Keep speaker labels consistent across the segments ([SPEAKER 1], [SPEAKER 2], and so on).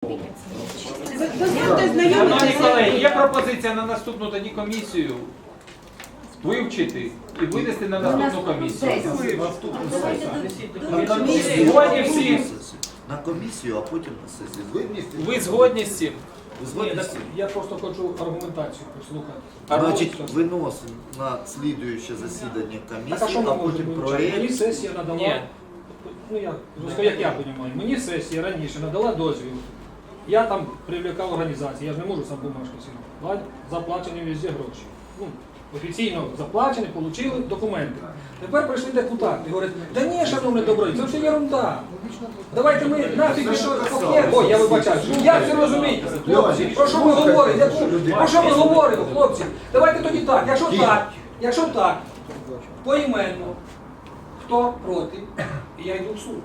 [SPEAKER 1] Шановні колеги, є пропозиція на наступну тоді комісію вивчити і винести на наступну комісію.
[SPEAKER 2] На комісію,
[SPEAKER 1] Згодні всі?
[SPEAKER 2] на комісію, а потім на сесію.
[SPEAKER 1] Ви згодні з цим?
[SPEAKER 2] Ви згодні з цим?
[SPEAKER 3] Я просто хочу аргументацію послухати.
[SPEAKER 2] Значить, виносимо на слідуюче засідання
[SPEAKER 3] Так, а
[SPEAKER 2] комісії,
[SPEAKER 3] що ми
[SPEAKER 2] а
[SPEAKER 3] можемо
[SPEAKER 2] потім
[SPEAKER 3] вивчати? Мені
[SPEAKER 2] проєкт.
[SPEAKER 3] сесія надала,
[SPEAKER 1] Ні.
[SPEAKER 3] ну як я розумію, мені сесія раніше надала дозвіл. Я там привлекав організації, я ж не можу сам бумажки сидіти. Заплачені везде гроші. Ну, офіційно заплачені, отримали документи. Тепер прийшли депутати і говорять, да ні, шановне добро, це все ерунда. Давайте ми нафіг що пакет. Ой, я вибачаю. Як це розумієте? Хлопці, про що ви говорите? Про що ми говоримо, хлопці? Давайте тоді так, якщо так, поіменно, хто проти, і я йду в суд.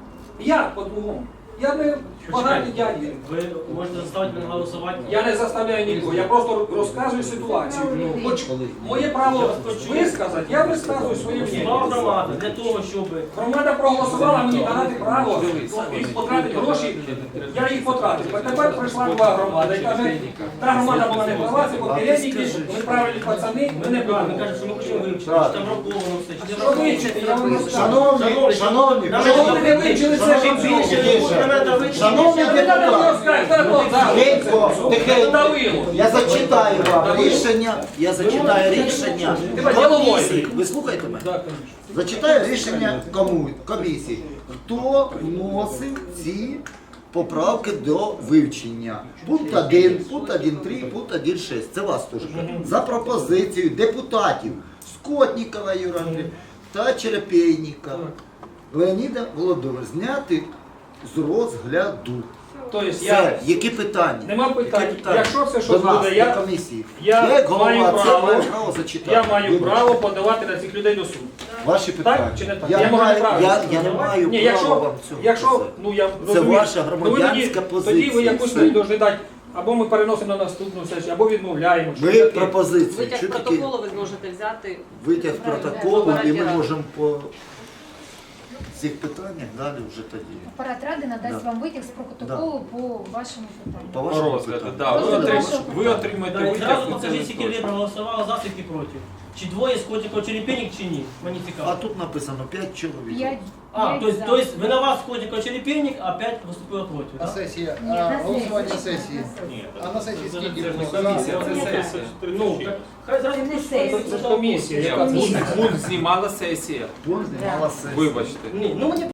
[SPEAKER 3] Я по-другому. Я не поганий дядя.
[SPEAKER 4] Ви можете заставити мене голосувати.
[SPEAKER 3] Я не заставляю нікого, я просто розказую ситуацію. Хоч моє право висказати, я висказую своє
[SPEAKER 4] Існувала
[SPEAKER 3] мнення.
[SPEAKER 4] громада для того, щоб
[SPEAKER 3] Громада проголосувала мені дати право і потратити гроші, я їх потратив. А тепер прийшла нова громада і каже, та громада була не права, це попередники, ми правильні пацани, ми не
[SPEAKER 4] ми
[SPEAKER 3] правильні.
[SPEAKER 4] кажемо, що ми хочемо вивчити, чи там враховано все, чи не
[SPEAKER 3] Що
[SPEAKER 4] враховано.
[SPEAKER 3] вивчити, я вам розкажу.
[SPEAKER 5] Шановні,
[SPEAKER 3] Чого ви не вивчили це
[SPEAKER 4] Чим більше
[SPEAKER 3] більше?
[SPEAKER 5] шановні
[SPEAKER 3] Не треба розказувати,
[SPEAKER 5] тихенько, тихенько.
[SPEAKER 3] давило.
[SPEAKER 5] Я зачитаю вам
[SPEAKER 2] Рішення, я зачитаю рішення комісії. Ви слухайте мене?
[SPEAKER 3] Так, конечно.
[SPEAKER 5] Зачитаю рішення комісії. Хто вносив ці поправки до вивчення? Пункт 1, пункт 1.3, пункт 1.6. Це вас теж. За пропозицією депутатів Скотнікова Юрія Андрійовича та Черепейніка Леоніда Володимировича зняти з розгляду.
[SPEAKER 3] Тобто
[SPEAKER 2] Все,
[SPEAKER 3] я...
[SPEAKER 2] які питання?
[SPEAKER 3] Нема питань.
[SPEAKER 2] Які питання?
[SPEAKER 3] Якщо це
[SPEAKER 2] До
[SPEAKER 3] щось
[SPEAKER 2] нас,
[SPEAKER 3] буде,
[SPEAKER 2] до
[SPEAKER 3] я
[SPEAKER 2] комісії.
[SPEAKER 3] я
[SPEAKER 2] як голова,
[SPEAKER 3] маю
[SPEAKER 2] це
[SPEAKER 3] право.
[SPEAKER 2] маю право зачитати.
[SPEAKER 3] Я маю
[SPEAKER 2] Вибачте.
[SPEAKER 3] право подавати на цих людей до суду.
[SPEAKER 5] Ваші питання.
[SPEAKER 3] Так чи не так?
[SPEAKER 2] Я,
[SPEAKER 3] Я можу
[SPEAKER 2] маю,
[SPEAKER 3] неправильно
[SPEAKER 2] я не маю
[SPEAKER 3] Ні,
[SPEAKER 2] права вам цього
[SPEAKER 3] якщо
[SPEAKER 2] писати.
[SPEAKER 3] ну я
[SPEAKER 2] Це
[SPEAKER 3] розумію,
[SPEAKER 2] ваша
[SPEAKER 3] ну, ви
[SPEAKER 2] громадянська
[SPEAKER 3] тоді
[SPEAKER 2] позиція.
[SPEAKER 3] ви якусь
[SPEAKER 2] Все.
[SPEAKER 3] мені повинні дати, або ми переносимо на наступну сесію, або відмовляємо.
[SPEAKER 2] Ви
[SPEAKER 3] Що таке?
[SPEAKER 2] пропозиції.
[SPEAKER 6] Витяг
[SPEAKER 2] Що таке
[SPEAKER 6] протоколу ви зможете взяти.
[SPEAKER 2] витяг протоколу, і ми
[SPEAKER 6] Апарат
[SPEAKER 2] можемо по цих питаннях далі вже тоді.
[SPEAKER 7] Апарат ради надасть
[SPEAKER 2] Да.
[SPEAKER 7] вам витяг з протоколу по вашому питанню.
[SPEAKER 2] По
[SPEAKER 1] По
[SPEAKER 2] вашому
[SPEAKER 1] розгляду,
[SPEAKER 2] питанню.
[SPEAKER 1] да. Ви отримаєте
[SPEAKER 4] Да, і
[SPEAKER 1] витяг.
[SPEAKER 4] зразу
[SPEAKER 1] і це
[SPEAKER 4] покажіть, скільки ви
[SPEAKER 1] точно.
[SPEAKER 4] проголосували за, скільки проти. Чи двоє з Котиков Черепінник, чи ні? Мені
[SPEAKER 2] А
[SPEAKER 4] цікаво.
[SPEAKER 2] тут написано 5 чоловік.
[SPEAKER 7] 5
[SPEAKER 4] То есть виноват Котиков Черепінник, а 5 виступило проти,
[SPEAKER 8] На
[SPEAKER 4] так?
[SPEAKER 8] сесії,
[SPEAKER 7] Ні, на
[SPEAKER 8] голосування на
[SPEAKER 7] сесії.
[SPEAKER 8] сесії. А на сесії
[SPEAKER 1] Це
[SPEAKER 8] скільки
[SPEAKER 1] не
[SPEAKER 8] було?
[SPEAKER 1] комісія, це сесія.
[SPEAKER 4] Ну, так, хай зразу
[SPEAKER 7] Це не сесія.
[SPEAKER 3] Це комісія, яка
[SPEAKER 1] Пункт знімала сесія.
[SPEAKER 2] Пункт знімала сесія.
[SPEAKER 1] Вибачте.
[SPEAKER 4] Ні, ну мені